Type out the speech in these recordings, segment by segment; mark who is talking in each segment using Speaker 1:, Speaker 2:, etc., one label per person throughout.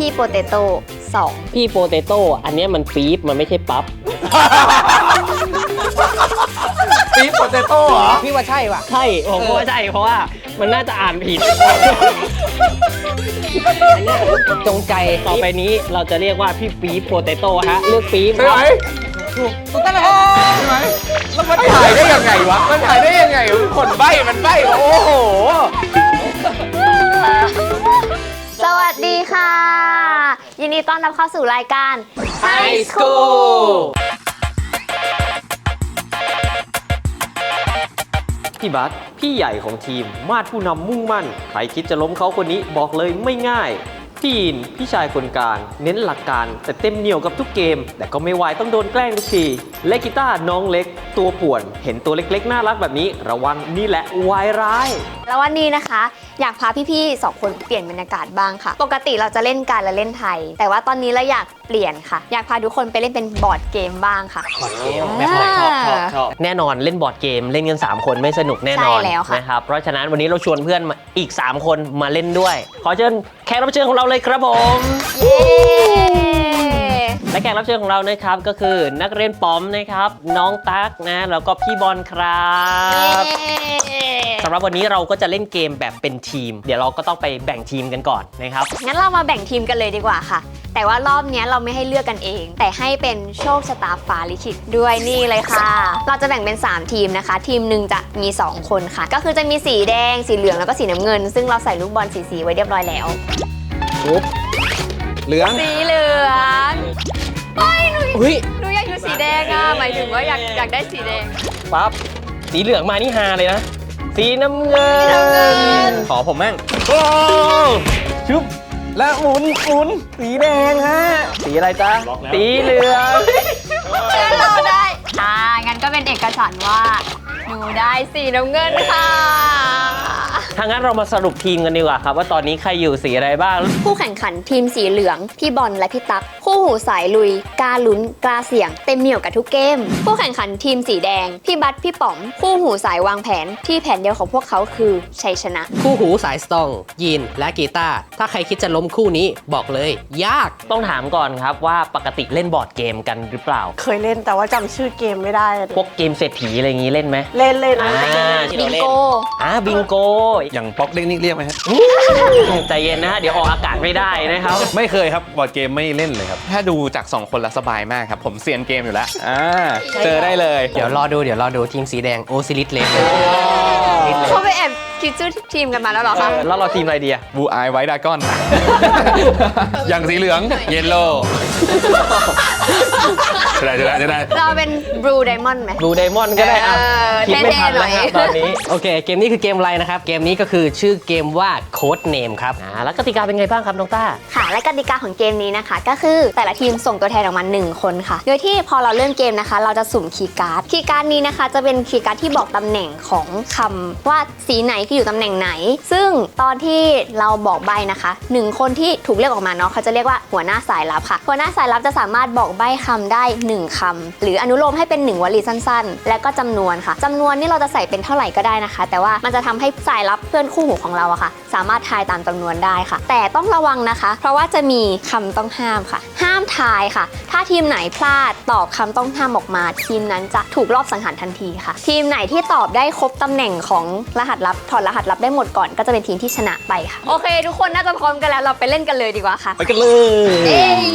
Speaker 1: พี่โปเตโต้2
Speaker 2: พี่โปเตโต้อันนี้มันปี๊บมันไม่ใช่ปั๊บ
Speaker 3: ปี๊บโปเตโต้เหรอ
Speaker 4: พี่ว่าใช่ว่ะ
Speaker 2: ใช่ผมก็ว่าใช่เพราะว่ามันน่าจะอ่านผิด
Speaker 4: อันเนี้ยจงใจ
Speaker 2: ต่อไปนี้เราจะเรียกว่าพี่ปี๊บโปเตโต้ฮะเลือกปี๊บ
Speaker 3: ใช่ไหม
Speaker 4: ถูกต้องแล้ว
Speaker 3: ใช่ไหมแล้วมันถ่ายได้ยังไงวะมันถ่ายได้ยังไงคนใบ้มันใบ้โอ้โห
Speaker 1: สวัสดีค่ะ ยินดีต้อนรับเข้าสู่รายการ
Speaker 2: High School พี่บัสพี่ใหญ่ของทีมมาดผู้นำมุ่งมั่นใครคิดจะล้มเขาคนนี้บอกเลยไม่ง่ายพี่อินพี่ชายคนกลางเน้นหลักการแต่เต็มเหนียวกับทุกเกมแต่ก็ไม่ไหวต้องโดนแกล้งทุกทีและกีตาร์น้องเล็กตัวป่วนเห็นตัวเล็กๆน่ารักแบบนี้ระวังนี่แหละวายร้าย
Speaker 1: แล้ววันนี้นะคะ อยากพาพี่ๆ2 คนเปลี่ยนบรรยากาศบ้างค่ะ ปกติเราจะเล่นการละเล่นไทย แต่ว่าตอนนี้เราอยากเปลี่ยนค่ะ อยากพาทุกคนไปเล่นเป็นบอร์ดเกมบ้างค่ะ
Speaker 2: บอร์ดเกมชอบแน่นอนเล่นบอร์ดเกมเล่นกัน3 คนไม่สนุกแน่นอน
Speaker 1: ใช่แล้วค่ะ
Speaker 2: นะครับเพราะฉะนั้นวันนี้เราชวนเพื่อนมาอีก3 คนมาเล่นด้วยขอเชิญแขกรับเชิญของเราเลยครับผม
Speaker 1: เย้
Speaker 2: และแขกรับเชิญของเรานะครับก็คือนักเรียนป๋อมนะครับน้องตั๊กนะแล้วก็พี่บอลครับสำหรับวันนี้เราก็จะเล่นเกมแบบเป็นทีม เดี๋ยวเราก็ต้องไปแบ่งทีมกันก่อนนะครับ
Speaker 1: งั้นเรามาแบ่งทีมกันเลยดีกว่าค่ะ แต่ว่ารอบนี้เราไม่ให้เลือกกันเอง แต่ให้เป็นโชคชะตาฟ้าลิขิตด้วยนี่เลยค่ะ เราจะแบ่งเป็น3 ทีมนะคะ ทีมหนึ่งจะมี2 คนค่ะ ก็คือจะมีสีแดงสีเหลืองแล้วก็สีน้ำเงิน ซึ่งเราใส่ลูกบอลสีไว้เรียบร้อยแล้ว
Speaker 3: ปุ๊บเหลือง
Speaker 1: สีเหลืองเฮ้ยหนู
Speaker 2: อุ้ย
Speaker 1: หนูอยากอยู่สีแดงอ่ะหมายถึงว่าอยากได้สีแดง
Speaker 2: ปั๊บสีเหลืองมานี่ฮาเลยนะสีน้ำเงิ
Speaker 1: สีน้ำเงิน
Speaker 3: ขอผมมั่ง
Speaker 2: โอ้ชุบ
Speaker 3: และหมุนสีแดงฮะ
Speaker 2: สีอะไรจ๊ะสีเหลือง
Speaker 1: เราได้งั้นก็เป็นเอกฉันท์ว่าหนูได้สีน้ำเงินค่ะ
Speaker 2: ถ้างั้นเรามาสรุปทีมกันดีกว่าครับว่าตอนนี้ใครอยู่สีอะไรบ้าง
Speaker 1: ผู้แข่งขันทีมสีเหลืองพี่บอลและพี่ตั๊กคู่หูสายลุยกล้าลุ้นกล้าเสี่ยงเต็มเหนี่ยวกับทุกเกมผู้แข่งขันทีมสีแดงพี่บัสพี่ป๋อมคู่หูสายวางแผนที่แผนเดียวของพวกเขาคือชัยชนะ
Speaker 4: คู่หูสายสตองยีนและกีตาร์ถ้าใครคิดจะล้มคู่นี้บอกเลย ยาก
Speaker 2: ต้องถามก่อนครับว่าปกติเล่นบอร์ดเกมกันหรือเปล่า
Speaker 5: เคยเล่นแต่ว่าจำชื่อเกมไม่ได้อะ
Speaker 2: พวกเกมเศรษฐีอะไรอย่างนี้เล่นไหม
Speaker 5: เล่นเลยนะ
Speaker 2: ที่
Speaker 1: บิ
Speaker 2: เรา
Speaker 1: ง
Speaker 2: เล่น
Speaker 1: โก
Speaker 2: บิงโก
Speaker 3: อย่างป๊อกเล็กนี่เรียกไหมฮะ
Speaker 2: ใจเย็นนะฮะเดี๋ยวออกอากาศไม่ได้นะครับ
Speaker 3: ไม่เคยครับบอร์ดเกมไม่เล่นเลยครับถ้าดูจาก2 คนละสบายมากครับผมเซียนเกมอยู่แล้วเจอได้เลย
Speaker 4: เดี๋ยวรอดูทีมสีแดงโอซิลิสเลส
Speaker 1: เขาไปแอบคิดชื่อทีมกันมาแล้วเหรอคะ
Speaker 2: แล้วเราทีมอะไรดีอะ
Speaker 3: บูอายไวท์ดากอน อย่างสีเหลืองเยลโล่จะได้
Speaker 1: เราเป็นบลูไดมอนด์ไหม
Speaker 2: บลูไดมอนด์ก็ได้อะคิดไม่ทันแล้วครับ
Speaker 1: เท่ๆหน่อย
Speaker 2: ตอนนี้
Speaker 4: โอเค เกมนี้คือเกมอะไรนะครับ เกมนี้ก็คือชื่อเกมว่าโค้ดเนมครับ
Speaker 2: แล้วกติกาเป็นไงบ้างครับน้องต้า
Speaker 1: ค่ะและกติกาของเกมนี้นะคะ ก็คือแต่ละทีมส่งตัวแทนออกมา1 คนค่ะ โดยที่พอเราเริ่มเกมนะคะ เราจะสุ่มคีย์การ์ดคีย์การ์ดนี้นะคะ จะเป็นคีย์การ์ดที่บอกตำแหน่งของคำว่าสีไหนคืออยู่ตำแหน่งไหน ซึ่งตอนที่เราบอกใบนะคะ1 คนที่ถูกเลือกออกมาเนาะเขาจะเรียกว่าหัวหน้าสายลับค่ะหัวหน้าสายลับจะสามารถบอกใบคำได้1 คำหรืออนุโลมให้เป็น1 วลีสั้นๆ และก็จำนวนค่ะจำนวนนี่เราจะใส่เป็นเท่าไหร่ก็ได้นะคะ แต่ว่ามันจะทำให้สายลับเพื่อนคู่หูของเราอะค่ะ สามารถทายตามจำนวนได้ค่ะ แต่ต้องระวังนะคะ เพราะว่าจะมีคำต้องห้ามค่ะ ห้ามทายค่ะ ถ้าทีมไหนพลาดตอบคำต้องห้ามออกมา ทีมนั้นจะถูกรอบสังหารทันทีค่ะ ทีมไหนที่ตอบได้ครบตำแหน่งของรหัสลับถอดรหัสลับได้หมดก่อนก็จะเป็นทีมที่ชนะไปค่ะโอเค ทุกคนน่าจะพร้อมกันแล้วเราไปเล่นกันเลยดีกว่าค่ะ
Speaker 2: ไปกันเลย
Speaker 1: เอ้ย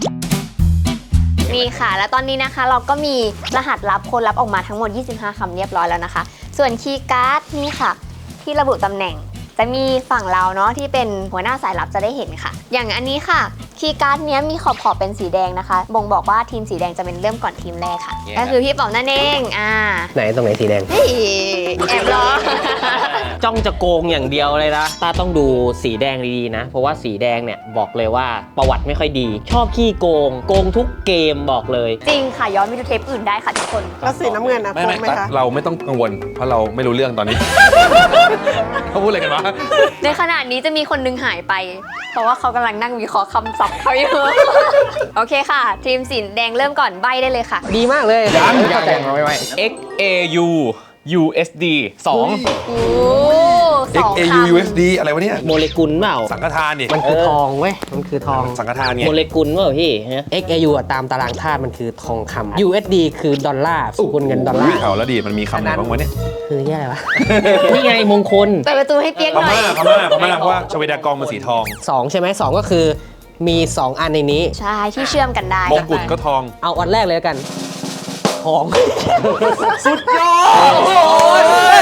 Speaker 1: นี่ค่ะ แล้วตอนนี้นะคะเราก็มีรหัสลับคนลับออกมาทั้งหมด 25 คำเรียบร้อยแล้วนะคะ ส่วนคีย์การ์ดนี่ค่ะ ที่ระบุตำแหน่ง จะมีฝั่งเราเนาะที่เป็นหัวหน้าสายลับจะได้เห็นค่ะ อย่างอันนี้ค่ะคีย์การ์ดเนี้ยมีขอบเป็นสีแดงนะคะ บ่งบอกว่าทีมสีแดงจะเป็นเริ่มก่อนทีมแรกค่ะ ก็คือพี่ป๋อมนั่นเอง
Speaker 4: ไหนตรงไหนสีแดง
Speaker 1: เฮ้ยแอบล้อ
Speaker 2: จ้องจะโกงอย่างเดียวเลยนะต้าต้องดูสีแดงดีๆนะ เพราะว่าสีแดงเนี่ยบอกเลยว่าประวัติไม่ค่อยดี ชอบขี้โกงทุกเกมบอกเลย
Speaker 1: จริงค่ะย้อนไปดูเทปอื่นได้ค่ะทุกคน
Speaker 5: แล้วสีน้ำเงินนะ
Speaker 3: ไม่
Speaker 5: โค้งไหมคะ
Speaker 3: เราไม่ต้องกังวลเพราะเราไม่รู้เรื่องตอนนี้ เขาพูดอะไรกันวะ
Speaker 1: ในขณะนี้จะมีคนนึงหายไป เพราะว่าเขากำลังนั่งวิเคราะห์คำศัพท์เขาอยู่ โอเคค่ะ ทีมสีแดงเริ่มก่อนใบได้เลยค่ะ
Speaker 4: ดีมากเลย
Speaker 3: ยัง
Speaker 4: เข้าใจ
Speaker 3: ไม่ XAU USD 2
Speaker 1: โอ้สองค
Speaker 6: XAUUSD อะไรวะเนี่ย
Speaker 7: โมเลกุลเปล่า
Speaker 6: สังฆทานนี่
Speaker 4: มันคือทองเว้ย มันคือทอง
Speaker 6: สังฆทานไง
Speaker 7: โมเลกุลเปล่าพี่ฮะ
Speaker 4: XAU อะตามตารางธาตุมันคือทองคำ USD คือดอลลาร์สกุลเงินดอลลา
Speaker 6: อุ้ย
Speaker 4: ร์
Speaker 6: แถวแล้วดีมันมีคำไหนบ้างวะเนี่ย
Speaker 4: คือแย่อะไรวะ
Speaker 7: นี่ไงมงคล
Speaker 1: ำเปิดประตูให้เปียก
Speaker 6: พ
Speaker 1: หน่อย
Speaker 6: ม่าเพราะว่าชเวดากองมันสีทอง
Speaker 4: 2 ใช่ไหม2 ก็คือมี 2 อันในนี้
Speaker 1: ใช่ที่เชื่อมกันได้
Speaker 6: มงกุฎก็ทอง
Speaker 4: เอาอันแรกเลยแล้วกัน ทอง
Speaker 6: สุดยอด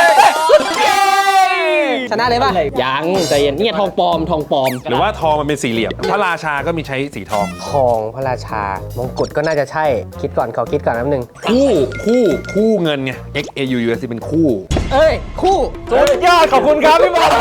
Speaker 4: ชนะเลยป่ะ
Speaker 7: ยังแต่ยันเนี่ยทองปลอมทองปลอม
Speaker 6: หรือว่าทองมันเป็นสี่เหลี่ยม พระราชาก็มีใช้สีทอง
Speaker 4: ทองพระราชา มงกุฎก็น่าจะใช่ คิดก่อนขอคิดก่อนแป๊บนึง
Speaker 6: คู่เงินไง XAUUSD เป็นคู่
Speaker 4: เอ้ย คู่
Speaker 6: สุดยอดขอบคุณครับพี่บอล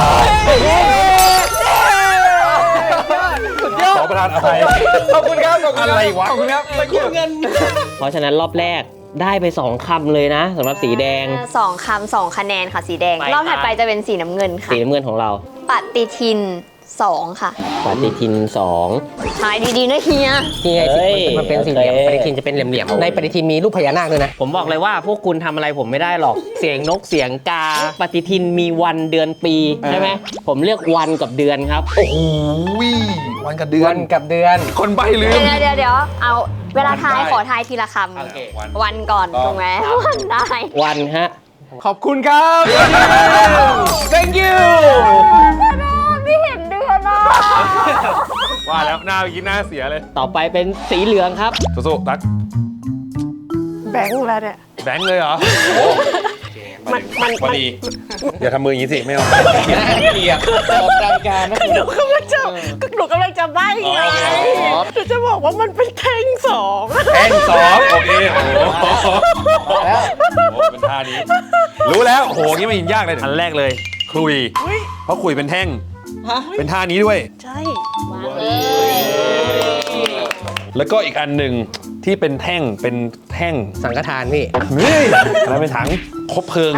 Speaker 6: ขอประทานอภัยขอบคุณครับอะไรวะขอบคุณครับ
Speaker 7: เพราะฉะนั้นรอบแรกได้ไป 2 คำเลยนะสำหรับสีแดง
Speaker 1: 2 คำ 2 คะแนนค่ะสีแดง
Speaker 7: ไป
Speaker 1: รอบถัดไปจะเป็นสีน้ำเงินค่ะ
Speaker 7: สีน้ำเงินของเรา
Speaker 1: ปฏิทิน 2 ค่ะ
Speaker 7: ปฏิทิน
Speaker 1: ทายดีๆนะเฮีย
Speaker 4: นี่ไง
Speaker 7: เฮ้ย
Speaker 4: มันเป็นสี่เหลี่ยม
Speaker 7: โอเค
Speaker 4: ปฏิทินจะเป็นเหลี่ยมๆในปฏิทินมีรูปพญานาคด้วยนะ
Speaker 7: 2 ผมบอกเลยว่าพวกคุณทำอะไรผมไม่ได้หรอก เสียงนกเสียงกา ปฏิทินมีวันเดือนปีใช่ไหมผมเลือกวันกับเดือนครับ
Speaker 6: โอ้โหวันกับเดือ
Speaker 4: วัน นกับเดือน
Speaker 6: คนใบลืม
Speaker 1: เดี๋ยวเอาเวลาทาย
Speaker 6: ได้
Speaker 1: ขอทายทีละค
Speaker 6: โอเค
Speaker 1: ำวันก่อนถูกไหมวันได้
Speaker 7: วันฮะ
Speaker 6: ขอบคุณครับ thank you
Speaker 1: ไม่เห็นเดือนอ่ะ
Speaker 6: ว่าแล้วหน้าเมื่อกี้หน้าเสียเลย
Speaker 7: ต่อไปเป็นสีเหลืองครับ
Speaker 6: สู้ๆตัก
Speaker 5: แบงค์แล้วเนี่ย
Speaker 6: แบงค์เลยเหรอพอดี อย่าทำมืออย่างนี้สิ ไม่เอาเกลียดออกรายการนะ
Speaker 5: หนูกำลังจะใบ้ไงหนูจะบอกว่ามันเป็นแท่งสอง
Speaker 6: แท่งสองโอเคโอ้โหแล้วเป็นท่านี้ รู้แล้วโอ้โหงี้ไม่ยินยากเลยอันแรกเลยคลุย เพราะคลุยเป็นแท่ง เป็นท่านี้ด้วย
Speaker 5: ใช่
Speaker 6: แล้วก็อีกอันหนึ่งที่เป็นแท่ง
Speaker 4: สังฆทานพี่
Speaker 6: เฮ้ยอะไรเป็นถังคบเพลิง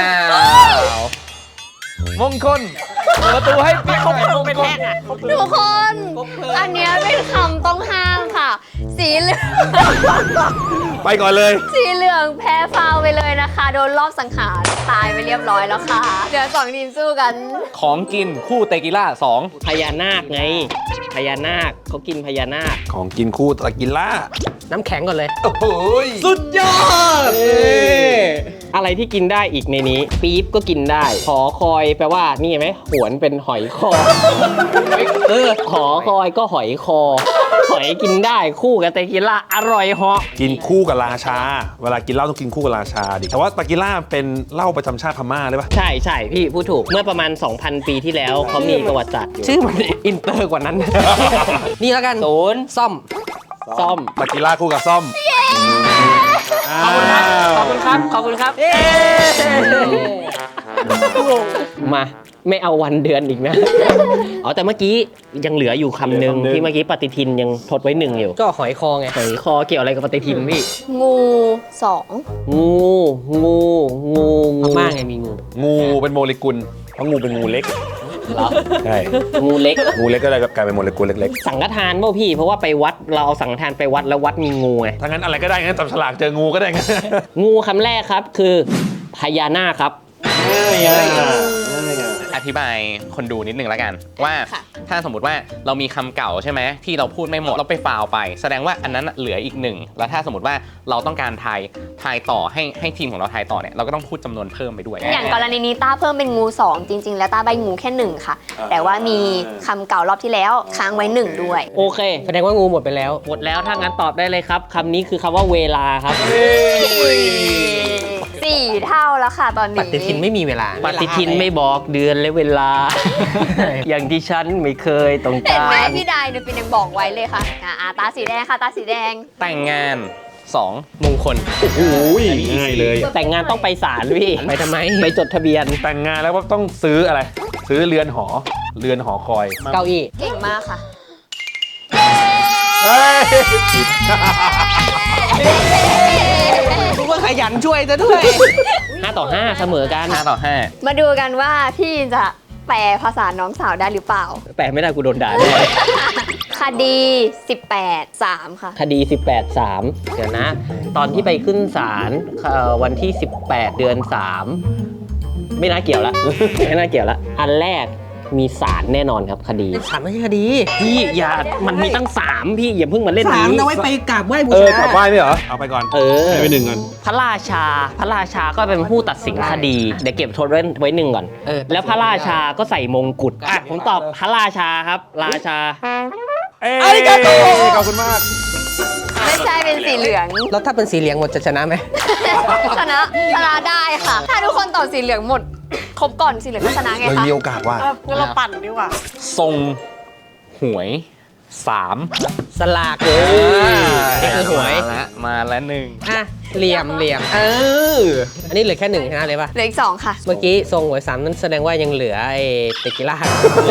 Speaker 3: มงคลประตูให้ปิ๊กเข้าไปมงคล
Speaker 1: ทุกคน อันเนี้ยเป็นคำต้องห้ามค่ะ สีเหลือง
Speaker 6: ไปก่อนเลย
Speaker 1: สีเหลืองแพ้ฟาวไปเลยนะคะ โดนรอบสังหารตายไปเรียบร้อยแล้วค่ะ เดี๋ยว2 ทีมสู้กัน
Speaker 3: ของกินคู่เตกิล่า
Speaker 7: พญานาคไง พญานาคเขากินพญานาค
Speaker 6: ของกินคู่ตะกินล่า
Speaker 4: น้ำแข็งก่อนเลย
Speaker 6: โอ้โห
Speaker 3: สุดยอด
Speaker 7: อะไรที่กินได้อีกในนี้ ปี๊บก็กินได้หอคอยแปลว่านี่เห็นไหมหวนเป็นหอยคอหอคอยก็หอยคอ หอยกินได้คู่กับเตกิล่าอร่อยเหาะ
Speaker 6: กินคู่กับราชา เวลากินเหล้าต้องกินคู่กับราชาดิแต่ว่าตะกิล่าเป็นเหล้าประจำชาติพม่าเลยปะ
Speaker 7: ใช่ใช่พี่พูดถูกเมื่อประมาณ 2,000 ปีที่แล้วเขามีประวัติศาสตร์อยู่
Speaker 4: ชื่อมันอินเตอร์กว่านั้น นี่แล้วกัน
Speaker 7: ศูนย์
Speaker 4: ซ่อม
Speaker 7: ซ่อม
Speaker 6: ตะกิล่าคู่กับซ่อม
Speaker 7: ขอบคุณครับ ขอบคุณครับ ขอบคุณครับ มาไม่เอาวันเดือนอีกนะ อ๋อแต่เมื่อกี้ยังเหลืออยู่คำหนึ่งที่เมื่อกี้ปฏิทินยังทดไว้1อยู่
Speaker 4: ก็หอยคอไง
Speaker 7: หอยคอเกี่ยวอะไรกับปฏิทินพี่
Speaker 1: งู 2
Speaker 7: งู
Speaker 4: พม่าไงมีงู
Speaker 6: งูเป็นโมเลกุล เพราะงูเป็นงูเล็ก
Speaker 7: เหรอ
Speaker 6: ใช่
Speaker 7: งูเล็ก
Speaker 6: งูเล็กก็เลยกลายเป็นโมเลกุลเล็ก
Speaker 7: สังฆทานเปล่าพี่ เพราะว่าไปวัดเราเอาสังฆทานไปวัดแล้ววัดมีงูไง
Speaker 6: ๆถ้างั้นอะไรก็ได้งั้นจับฉลากเจองูก็ได้งั้น
Speaker 7: งูคำแรกครับคือพญานาคครับ
Speaker 3: อธิบายคนดูนิดนึงแล้วกัน ว่าถ้าสมมติว่าเรามีคำเก่าใช่ไหมที่เราพูดไม่หมดเราไปฟาวไป แสดงว่าอันนั้นเหลืออีก1แล้วถ้าสมมติว่าเราต้องการทายต่อให้ทีมของเราทายต่อเนี่ยเราก็ต้องพูดจำนวนเพิ่มไปด้วย
Speaker 1: อย่างกรณีนี้ต้าเพิ่มเป็นงู 2 จริง ๆ แล้วต้าใบงูแค่ 1 ค่ะ แต่ว่ามีคำเก่ารอบที่แล้วค้างไว้ 1 ด้วย
Speaker 7: โอเค
Speaker 4: แสดงว่างูหมดไปแล้ว
Speaker 7: หมดแล้วถ้างั้นตอบได้เลยครับคำนี้คือคำว่าเวลาครับ
Speaker 1: 4 เท่าแล้วค่ะตอน
Speaker 4: ป
Speaker 1: นี้
Speaker 4: ฏิทินไม่มีเวลา
Speaker 7: ปฏิทินไม่บอกเดือนและเวลา อย่างที่ฉันไม่เคยต้อง
Speaker 1: เห็น
Speaker 7: กา
Speaker 1: ไหม
Speaker 7: ร
Speaker 1: พี่ไดายเนี่ยเป็นยังบอกไว้เลยค่ะตาสีแดงค่ะตาสีแดง
Speaker 3: แต่งงาน 2
Speaker 4: มงคล
Speaker 6: โอ้ยง่ายเลย
Speaker 7: แต่งงานต้องไปศาลพี่
Speaker 4: ไปทำไม
Speaker 7: ไปจดทะเบียน
Speaker 6: แต่งงานแล้วว่าต้องซื้ออะไร ซื้อเรือนหอคอย
Speaker 4: เก้าอี้
Speaker 1: เก่งมากค่ะ
Speaker 6: เฮ้ย
Speaker 4: รู้ว่าขยันช่วยซะด้วย
Speaker 7: 5 ต่อ 5 เสมอกัน
Speaker 3: 5 ต่อ 5
Speaker 1: มาดูกันว่าพี่จะแปลภาษาน้องสาวได้หรือเปล่า
Speaker 7: แปลไม่ได้กูโดนด่าแน่
Speaker 1: คดี 18 3 ค่ะ
Speaker 7: คดี 18/3 เดี๋ยวนะ ตอนที่ไปขึ้นศาลวันที่ 18 เดือน 3 ไม่น่าเกี่ยวละ ไม่น่าเกี่ยวละ อันแรกมีศาลแน่นอนครับคดี
Speaker 4: เป็นสามไม่ใช่คดี
Speaker 7: พี่อย่ามันมีตั้ง 3 พี่อย่าเพิ่งมาเล่น
Speaker 4: สาม
Speaker 7: นี้
Speaker 4: เอาไว้ไปกราบไหว้บู
Speaker 6: เออ
Speaker 4: ชาก
Speaker 6: ลับไหว้ไหมเหรอ เอาไปก่อน
Speaker 7: เออ
Speaker 6: ให้ไป1ก่อน
Speaker 7: พระราชาก็เป็นผู้ตัดสินคดี เดี๋ยวเก็บโทษไว้หนึ่งก่อน
Speaker 4: เออ
Speaker 7: แล้วพระราชาก็ใส่มงกุฎอ่ะผมตอบพระราชาครับ ราชา
Speaker 6: เอ้ยขอบคุณมาก
Speaker 1: ไม่ใช่เป็นสีเหลือง
Speaker 4: แล้วถ้าเป็นสีเหลืองหมดจะชนะไหม
Speaker 1: ชนะได้ค่ะ ถ้าทุกคนตอบสีเหลืองหมด ครบก่อนสีเหลืองก็ชนะไง
Speaker 6: เลย
Speaker 1: คะ
Speaker 6: มีโอกาสว่า
Speaker 5: งั้นเราปั่นดีกว่า
Speaker 3: ทรงหวย 3
Speaker 4: สลากเลยนี่คือหวย
Speaker 3: มาแล้วหนึ่ง
Speaker 4: อ่ะเหลี่ยมอันนี้เหลือแค่1ชนะเลยป่ะ
Speaker 1: เหลืออีก2ค่ะ
Speaker 4: เมื่อกี้ทรงหวย3นั้นแสดงว่ายังเหลือไอ้เตกิล่า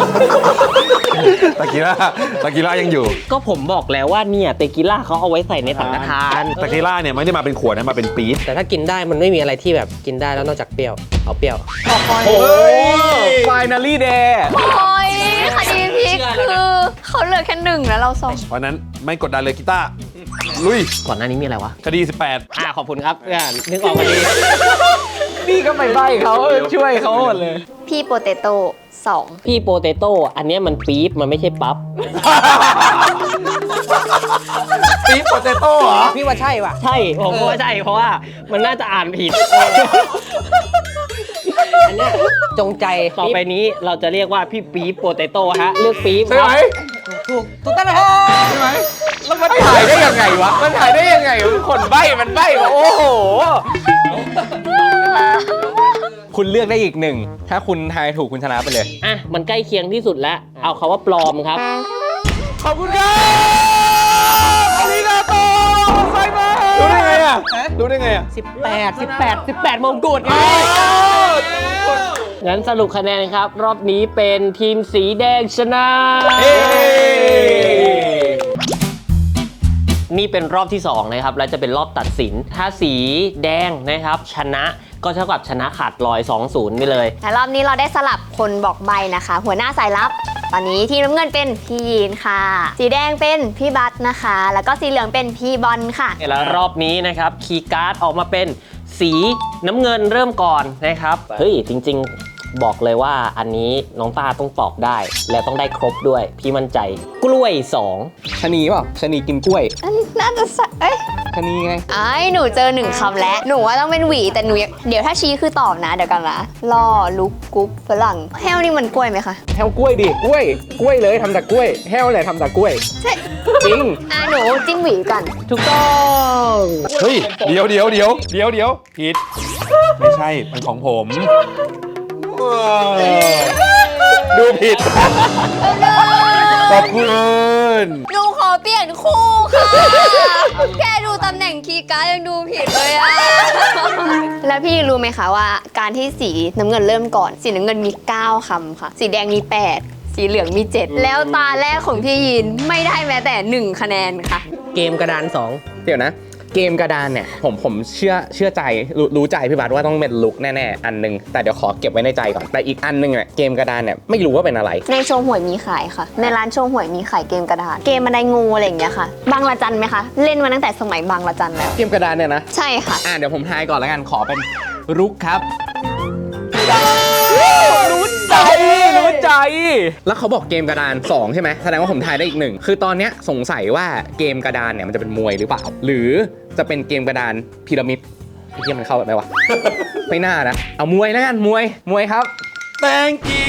Speaker 6: ตะกี้ล่ายังอยู่
Speaker 7: ก็ผมบอกแล้วว่าเนี่ยเตกิล่าเขาเอาไว้ใส่ในสังฆทาน
Speaker 6: ตะกี้ล่าเนี่ยไม่ได้มาเป็นขวดนะมาเป็นปี๊บ
Speaker 4: แต่ถ้ากินได้มันไม่มีอะไรที่แบบกินได้แล้วนอกจากเปรี้ยว เอาเปรี้ยว
Speaker 3: โอ้ย Finally Day
Speaker 1: โอ้ยคดีพลิกคือเขาเหลือแค่1แล้วเรา2
Speaker 6: เพราะนั้นไม่กดดันเลยกีตาร์ลุย
Speaker 7: ก่อนหน้านี้มีอะไรวะ
Speaker 6: คดี
Speaker 7: ขอบคุณครับนึกออกพอดี
Speaker 3: นี่ก็ไม่ใบ้เขาช่วยเขาหมดเลย
Speaker 1: พี่โปเตโต้2
Speaker 7: พี่โปเตโต้อันเนี้ยมันปี๊บมันไม่ใช่ปั๊บ
Speaker 6: 18 ปี๊บโปเตโต้เหรอ
Speaker 4: พี่ว่าใช่ป่ะ
Speaker 7: ใช่ผมว่าใช่เพราะว่ามันน่าจะอ่านผิด
Speaker 4: อันเนี้ยจงใจ
Speaker 7: ต่อไปนี้เราจะเรียกว่าพี่ปี๊บโปเตโต้ฮะเลือกปี๊บ
Speaker 6: ใช่ไหม
Speaker 4: ถูกต้องแล้ว
Speaker 6: ใช่ไหม
Speaker 3: แล้วมันถ่ายได้ยังไงวะ มันถ่ายได้ยังไงคนใบ้มันใบ้วะโอ้โห คุณเลือกได้อีกหนึ่ง ถ้าคุณทายถูกคุณชนะไปเลย
Speaker 7: อ่ะมันใกล้เคียงที่สุดแล้วเอาคาว่าปลอมครับ
Speaker 6: ขอบคุณครับอาริกาโตไซมารู้ได้ไงอ่ะรู้ได้ไงอ่ะ
Speaker 7: 18 มงกุฎไงงั้นสรุปคะแนนครับ รอบนี้เป็นทีมสีแดงชนะ นี่เป็นรอบที่2นะครับและจะเป็นรอบตัดสิน ถ้าสีแดงนะครับชนะก็เท่ากับชนะขาดลอย 2-0 ไปเลย
Speaker 1: แต่รอบนี้เราได้สลับคนบอกใบนะคะ หัวหน้าสายลับ ตอนนี้ทีมน้ำเงินเป็นพี่ยีนค่ะ สีแดงเป็นพี่บัตนะคะ แล้วก็สีเหลืองเป็นพี่บอลค่ะ
Speaker 7: แล้วรอบนี้นะครับคีย์การ์ดออกมาเป็นสีน้ำเงินเริ่มก่อนนะครับเฮ้ยจริงๆบอกเลยว่าอันนี้น้องต้าต้องตอบได้ แล้วต้องได้ครบด้วยพี่มั่นใจกล้วย 2
Speaker 3: ชะนีเปล่าชะนีกินกล้วย
Speaker 1: น่าจะใช่เอ้ย
Speaker 3: ชะนีไง
Speaker 1: หนูเจอ1คำแล้ว หนูว่าต้องเป็นหวี แต่หนูเดี๋ยวถ้าชี้คือตอบนะ เดี๋ยวกันนะล่อลุกกุ๊บฝรั่งแฮวนี่มันกล้วยไหมคะ
Speaker 3: แฮวกล้วยดิ กล้วยเลยทำจากกล้วย แฮวเลยทำจากกล้วย
Speaker 1: ใช่
Speaker 3: จริง
Speaker 1: หนูจิ้มหวีกัน
Speaker 7: ถูกต้อง
Speaker 6: เฮ้ยเดี๋ยวผิดไม่ใช่มันของผมดูผิดขอบคุณ
Speaker 1: หนูขอเปลี่ยนคู่ค่ะ แค่ดูตำแหน่งคีย์การ์ดยังดูผิดเลยอะ แล้วพี่รู้ไหมคะว่าการที่สีน้ำเงินเริ่มก่อน สีน้ำเงินมี 9 คำค่ะ สีแดงมี 8 สีเหลืองมี 7 แล้วตาแรกของพี่ยินไม่ได้แม้แต่ 1 คะแนนค่ะ
Speaker 4: เกมกระดาน
Speaker 3: เดี๋ยวนะ เกมกระดานเนี่ยผมเชื่อใจรู้ใจพี่บาทว่าต้องเป็นลุกแน่ๆอันนึงแต่เดี๋ยวขอเก็บไว้ในใจก่อนแต่อีกอันนึงเนี่ยเกมกระดานเนี่ยไม่รู้ว่าเป็นอะไร
Speaker 1: ในโชว์หวยมีขายค่ะ ในร้านโชว์หวยมีขายเกมกระดาน เกมบันไดงูอะไรอย่างเงี้ยค่ะ บางละจันไหมคะ เล่นมาตั้งแต่สมัยบางละจันแล้ว
Speaker 3: เกมกระดานเนี่ยนะ
Speaker 1: ใช่ค่ะ
Speaker 3: เดี๋ยวผมทายก่อนแล้วกันขอเป็นรุกครับ รู้ใจ แล้วเขาบอกเกมกระดาน 2 ใช่ไหมแสดงว่าผมทายได้อีกหนึ่งคือตอนเนี้ยสงสัยว่าเกมกระดานเนี่ยมันจะเป็นมวยหรือเปล่า หรือจะเป็นเกมกระดานพีระมิดไอ้เหี้ยมันเข้าแบบไหนวะ ไม่น่านะ เอามวยแล้วกันมวยครับ
Speaker 6: thank you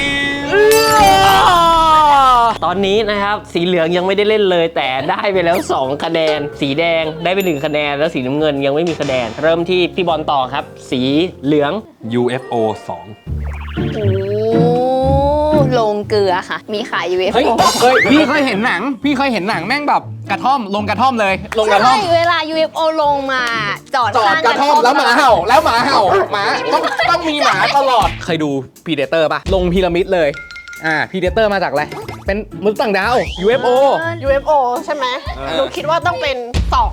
Speaker 7: ตอนนี้นะครับสีเหลืองยังไม่ได้เล่นเลย แต่ได้ไปแล้ว 2 คะแนน สีแดงได้ไป1 คะแนน แล้วสีน้ำเงินยังไม่มีคะแนน เริ่มที่พี่บอลต่อครับ สีเหลือง
Speaker 6: UFO 2
Speaker 1: โอ้โรงเกลือค่ะ มีขาย UFO
Speaker 3: พี่เคยเห็นหนังแม่งแบบกระท่อมลงกระท่อมเลยลงกระท่อ
Speaker 1: ใช่
Speaker 3: ม
Speaker 1: เวลา UFO ลงมาจอด
Speaker 3: จอด
Speaker 1: ข้าง
Speaker 3: กระท่อมแล้วหมาเห่าหมาต้องมีหมาตลอด เคยดู Predator ป่ะ ลงพีระมิดเลย Predator มาจากอะไร เป็นมนุษย์ต่างดาว UFO
Speaker 5: UFO ใช่ไหมหนูคิดว่าต้องเป็น2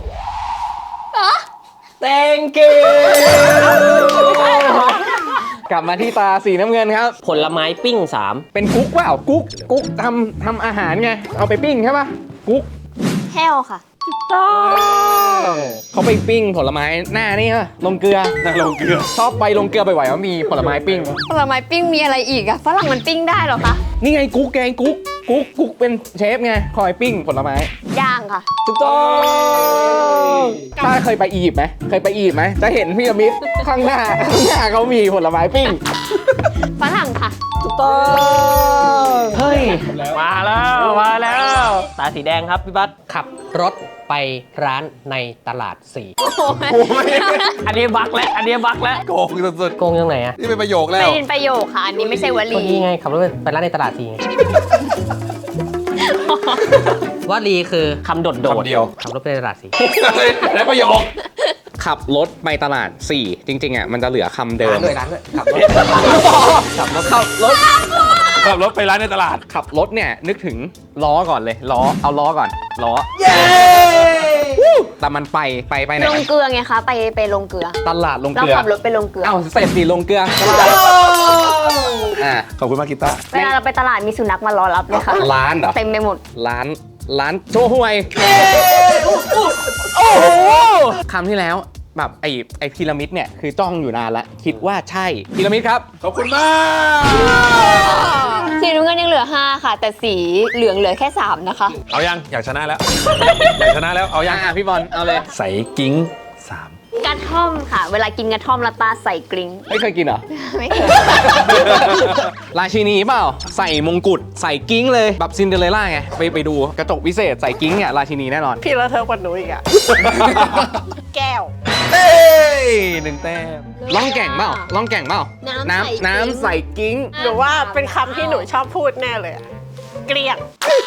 Speaker 7: thank you
Speaker 3: กลับมาที่ตาสีน้ำเงินครับ
Speaker 7: ผลไม้ปิ้ง
Speaker 3: เป็นกุ๊กเปล่ากุ๊กทำอาหารไง เอาไปปิ้งใช่ป่ะกุ๊ก
Speaker 1: แฮวค่ะ
Speaker 3: เขาไปปิ้งผลไม้หน้านี่ฮะลงเกลือ
Speaker 6: น่าลงเกลือ
Speaker 3: ชอบไปลงเกลือบ่อยๆว่ามีผลไม้ปิ้ง
Speaker 1: ผลไม้ปิ้งมีอะไรอีกอะฝรั่งมันปิ้งได้เหรอคะ
Speaker 3: นี่ไงกุ๊กแกงกุ๊กเป็นเชฟไงคอยปิ้งผลไม้
Speaker 1: ย่างค่ะ
Speaker 3: ถูกต้องถ้าเคยไปอียิปต์ไหมจะเห็นพีระมิดข้างหน้าเขามีผลไม้ปิ้ง
Speaker 1: ฝรั่งค่ะ
Speaker 7: ถูกต้องเฮ้ยมาแล้วตาสีแดงครับพี่บัส
Speaker 4: ขับรถไปร้านในตลาดสี่
Speaker 7: อันนี้บักแล้ว
Speaker 6: โกงสุด
Speaker 4: โกงยังไงอะ
Speaker 6: ๆนี่เป็นประโยคแล้
Speaker 1: ไม่
Speaker 6: ว
Speaker 1: เป็นประโยคค่ะ อันนี้ไม่ใช่ว
Speaker 4: ค
Speaker 1: ลี
Speaker 4: นนี้ไงขับรถไปร้านในตลาดสี่ไง วลีคือ
Speaker 7: คำโดด
Speaker 6: คำเดียว
Speaker 4: ขับรถไปตลาดสี่
Speaker 6: และประโยค
Speaker 3: ขับรถไปตลาด 4 จริงๆอ่ะมันจะเหลือคำเดิม
Speaker 4: ร้านด้วยขับรถ
Speaker 3: ขับรถ
Speaker 6: ขับรถไปร้านในตลาด
Speaker 3: ขับรถเนี่ยนึกถึงล้อก่อนเลยเอาล้อก่อนล้อแต่มันไปไหน
Speaker 1: ลงเกลือไงคะ ไปลงเกลือ
Speaker 3: ตลาดลง
Speaker 1: เรา
Speaker 3: เกลือ
Speaker 1: ขับรถไปลงเกลือ
Speaker 3: เอ้าเสร็จสิลงเกลืออ่ะ
Speaker 6: ขอบคุณมากกีตาร์
Speaker 1: เวลาเราไปตลาดมีสุนัขมารอรับเลยค่ะ
Speaker 3: ร้านเหรอ
Speaker 1: เต็มไปหมด
Speaker 3: ร้านโชห่วยคำที่แล้วแบบไอพีระมิดเนี่ยคือจ้องอยู่นานแล้วคิดว่าใช่พีระมิดครับ
Speaker 6: ขอบคุณมาก
Speaker 1: สีน้ำเงินยังเหลือ 5 ค่ะ แต่สีเหลืองเหลือแค่ 3 นะคะ
Speaker 6: เอายังอยากชนะแล้ว อยากชนะแล้วเอายัง
Speaker 3: พี่บอลเอาเลย
Speaker 6: ใส่กิ้ง
Speaker 1: กระท่อมค่ะ เวลากินกระท่อมและตาใส่กริ้ง
Speaker 3: ไม่เคยกินเหรอ
Speaker 1: ไม่เคย
Speaker 3: ราชินีเปล่าใส่มงกุฎใส่กิ้งเลยแบบซินเดอเรลล่าไงไปดูกระจกวิเศษใส่กิ้งเนี่ยราชินีแน่นอน
Speaker 5: พี่ละเธอกว่าหนูอีกอะแก้ว
Speaker 6: 3เอ้ย1 แต้ม
Speaker 3: ล่องแก่งเปล่า น้ำใส่กิ้ง
Speaker 5: หนูว่าเป็นคำที่หนูชอบพูดแน่เลยอะเกลียง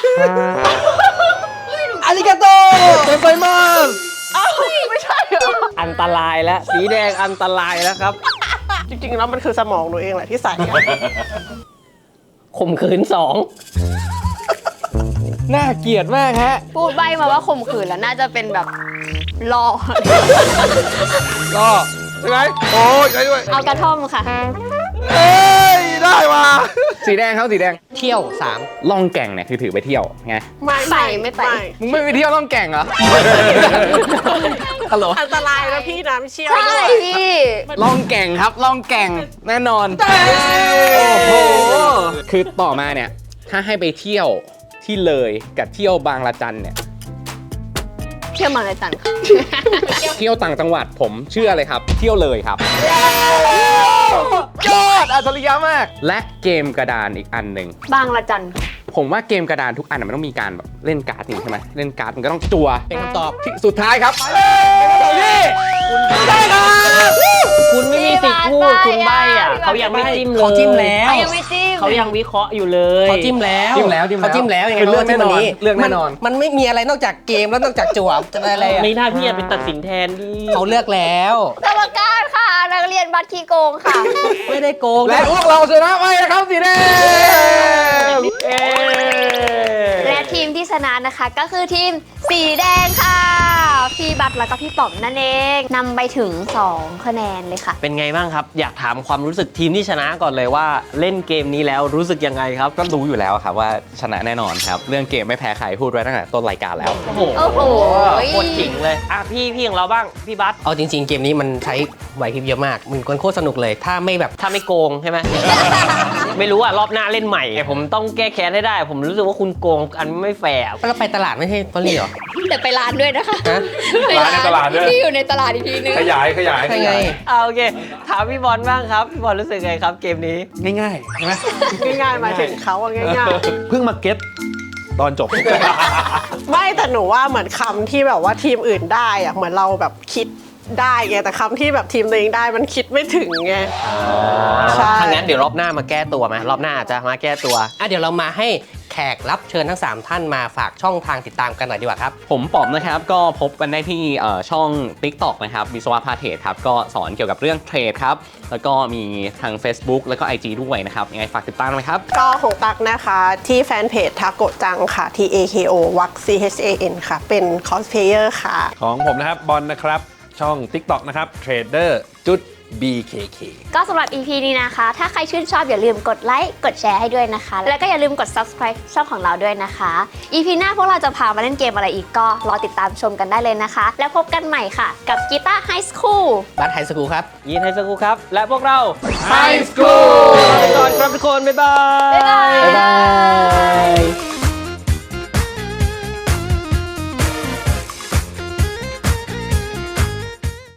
Speaker 7: อาริกาโตเต็มไปมาก
Speaker 5: เอ้าไม่ใช่เหรอ
Speaker 7: อันตรายแล้วสีแดงอันตรายแล้วครับ
Speaker 5: จริงๆแล้วมันคือสมองหนูเองแหละที่ใส่อะ
Speaker 7: ข่มขืน
Speaker 3: น่าเกลียดมากฮะ
Speaker 1: พูดใบมาว่าข่มขืนแล้วน่าจะเป็นแบบรอ
Speaker 6: ก็ใช่ไหมโอ้ยใช่ด้วย
Speaker 1: เอากระท่อมค่ะ
Speaker 6: เอ้ยได้ว่ะ
Speaker 3: สีแดงเขาสีแดง
Speaker 4: เที่ยวสาม
Speaker 3: ล่องแก่งเนี่ยคือถือไปเที่ยวไง
Speaker 5: ไม่
Speaker 1: ไม่ไป
Speaker 3: มึงไม่ไปเที่ยวล่องแก่งเหรอ ฮัลโหล
Speaker 5: อันตรายนะพี่น้ำเชี่ยว
Speaker 1: ใช่
Speaker 5: ด้วย
Speaker 1: พี่
Speaker 3: ล่องแก่งครับล่องแก่งแน่นอนโอ้โหคือต่อมาเนี่ยถ้าให้ไปเที่ยวที่เลยกับเที่ยวบางละจันเนี่ย
Speaker 1: เที่ยวมาเลยจันค่ะ
Speaker 3: เที่ยวต่างจังหวัดผมเชื่อเลยครับ เที่ยวเลยครับยอดอัจฉริยะมาก และเกมกระดานอีกอันหนึ่ง
Speaker 1: บางละจันค่ะ
Speaker 3: ผมว่าเกมกระดานทุกอันมันต้องมีการแบบเล่นการ์ดนี่ใช่ไหมเล่นการ์ดมันก็ต้องจัว
Speaker 4: เป็นคำตอบ
Speaker 3: ที่สุดท้ายครับ
Speaker 7: คุณไม่มีสิทธิ์พูดคุณใบอ่ะเขายังไม่จิ้มเลย
Speaker 4: เขาจิ้มแล้ว
Speaker 1: ยังไม่จิ้ม
Speaker 7: เขายังวิเคราะห์อยู่เลย
Speaker 4: เขาจิ้มแล้ว
Speaker 3: จิ้มแล้ว
Speaker 4: เขาจิ้มแล้วยังไง
Speaker 3: คือเลือกแน่นอน
Speaker 4: ขาจิ้ม
Speaker 3: เลือกแน่นอน
Speaker 4: มันไม่มีอะไรนอกจากเกมแล้วนอกจากจั่วจะอะไรอะ
Speaker 7: ไม่น่าพี่จะเป็นตัดสินแทนดิ
Speaker 4: เขาเลือกแล้ว
Speaker 1: กรรมการค่ะ นักเรียนบัตรขี้โกงค่ะ
Speaker 4: ไม่ได้โกง
Speaker 3: และพวกเราชนะไปนะครับสีแดง
Speaker 7: เอ๊ะ
Speaker 1: และทีมที่ชนะนะคะก็คือทีมสีแดงค่ะ พี่บัตรแล้วก็พี่ป๋อมนั่นเองนำไปถึง 2 คะแนนเลยค่ะ
Speaker 7: เป็นไงบ้างครับ อยากถามความรู้สึกทีมที่ชนะก่อนเลยว่าเล่นเกมนี้แล้วรู้สึกยังไงครับ
Speaker 3: ก็รู้อยู่แล้วครับว่าชนะแน่นอนครับ เรื่องเกมไม่แพ้ใครพูดไว้ตั้งแต่ต้นรายการแล้ว
Speaker 7: โอ้โห
Speaker 1: โอ้โห
Speaker 7: โคตรจริงเลยอ่ะพี่ของเราบ้างพี่บัส
Speaker 4: เอาจริง ๆ เกมนี้มันใช้ไหวพริบเยอะมาก มันโคตรสนุกเลย ถ้าไม่แบบ
Speaker 7: ถ้าไม่โกงใช่ไหม ไม่รู้อ่ะรอบหน้าเล่นใหม่ผมต้องแก้แค้นให้ได้ ผมรู้สึกว่าคุณโกงอันไม่แฟร์
Speaker 4: เราไปตลาดไม่ใช่ตอนนี้เหรอ
Speaker 1: แต่ไปร้านด้วยนะคะ
Speaker 4: ฮะ
Speaker 1: ไป
Speaker 6: ร้านในตลาดด้วย
Speaker 1: ที่อยู่ในตลาดอีกทีนึง
Speaker 6: ขยาย
Speaker 4: ใช่ไง
Speaker 7: เอาโอเคถามพี่บอลบ้างครับพี่บอลรู้สึกไงครับเกมนี้
Speaker 6: ง่ายๆใช่ไหม
Speaker 5: ง่ายๆหมายถึงเขาอะง่าย
Speaker 6: เพิ่งมาเก็ตตอนจบ
Speaker 5: ๆ ไม่แต่หนูว่าเหมือนคำที่แบบว่าทีมอื่นได้อะเหมือนเราแบบคิดได้ไงแต่คำที่แบบทีมตัวเองได้มันคิดไม่ถึงไง ใช่
Speaker 7: ถ้างั้นเดี๋ยวรอบหน้ามาแก้ตัวไหมรอบหน้าอาจจะมาแก้ตัว
Speaker 4: เดี๋ยวเรามาให้แขกรับเชิญทั้ง 3 ท่านมาฝากช่องทางติดตามกันหน่อยดีกว่าครับ
Speaker 3: ผมป๋อมนะครับก็พบกันได้ที่ช่อง TikTok นะครับวิศวะพาเทรดครับก็สอนเกี่ยวกับเรื่องเทรดครับแล้วก็มีทาง Facebook แล้วก็ IG ด้วยนะครับยังไงฝากติดตามไหมครับ
Speaker 5: ก็ของตักนะคะที่แฟนเพจทาโกะจังค่ะ TAKO วัก CHAN ค่ะ เป็นคอสเพลเยอร์ค่ะ
Speaker 6: ของผมนะครับบอลนะครับช่อง TikTok นะครับ Trader จุด BKK
Speaker 1: ก็สำหรับ EP นี้นะคะ ถ้าใครชื่นชอบอย่าลืมกดไลค์กดแชร์ให้ด้วยนะคะ แล้วก็อย่าลืมกด subscribe ช่องของเราด้วยนะคะ EP หน้าพวกเราจะพามาเล่นเกมอะไรอีกก็รอติดตามชมกันได้เลยนะคะ แล้วพบกันใหม่ค่ะกับกีตาร์ไฮสคูล
Speaker 4: บัสไฮสคูลครับ
Speaker 2: ยินไฮสคูลครับ และพวกเรา
Speaker 6: High School
Speaker 2: ลาไปก่อนครับทุกคน บ๊ายบาย
Speaker 1: บ๊ายบาย
Speaker 4: บ๊ายบาย